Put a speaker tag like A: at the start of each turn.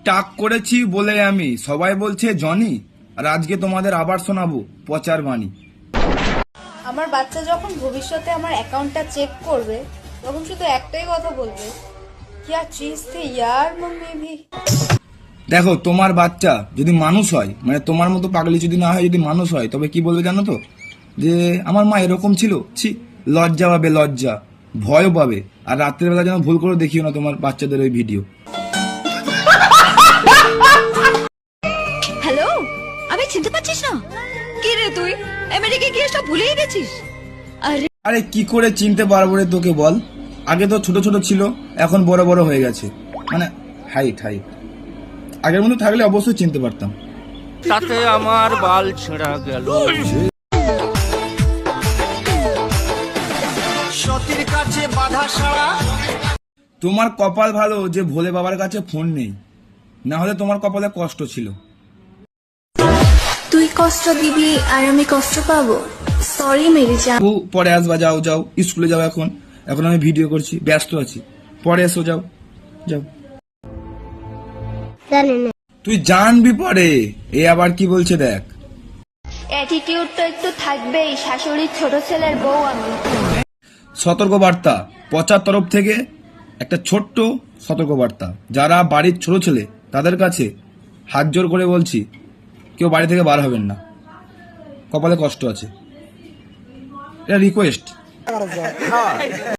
A: টাক করেছি বলে আমি, সবাই বলছে জনি, আর আজকে তোমাদের আবার শোনাবো পচার বাণী।
B: আমার বাচ্চা যখন ভবিষ্যতে আমার অ্যাকাউন্টটা চেক করবে তখন শুধু একটাই কথা বলবে, क्या चीज थी यार मम्मी भी।
A: দেখো, তোমার বাচ্চা যদি মানুষ হয়, মানে তোমার মতো পাগলি যদি না হয়, যদি মানুষ হয়, তবে কি বলবে জানো তো? যে আমার মা এরকম ছিল। ছি, লজ্জা পাবে, লজ্জা, ভয়ও পাবে। আর রাত্রের বেলা যেন ভুল করে দেখিও না তোমার বাচ্চাদের ওই ভিডিও।
C: হ্যালো, আমি চিনতে পারছিস না? কি রে তুই আমেরিকা গিয়ে সব ভুলেই গেছিস? আরে
A: আরে কি করে চিনতে পারবো রে তোকে বল? আগে তো ছোট ছোট ছিল, এখন বড় বড় হয়ে গেছে, মানে হাইট। আগের মতো থাকলে অবশ্যই চিনতে পারতাম।
D: তাতে আমার বাল ছেঁড়া গেল। সতীর কাছে বাধা সারা।
A: তোমার কপাল ভালো যে ভোলে বাবার কাছে ফোন নেই, না হলে তোমার কপালে কষ্ট ছিল।
E: তুই কষ্ট দিবি আর আমি কষ্ট পাবো? সরি মেরি জান।
A: ও পরে আসবা, যাও যাও, স্কুলে যাও। এখন আমি ভিডিও করছি, ব্যস্ত আছি, পরে এসো, যাও যাও। তুই জানবি পরে। এ আবার কি বলছে দেখ।
F: অ্যাটিটিউড তো একটু থাকবেই, শাশুড়ির ছোট ছেলের বউ আমি।
A: সতর্কবার্তা পচার তরফ থেকে, একটা ছোট্ট সতর্কবার্তা। যারা বাড়ির ছোট ছেলে তাদের কাছে হাত জোর করে বলছি, কেউ বাড়ি থেকে বার হবেন না, কপালে কষ্ট আছে, এটা রিকোয়েস্ট।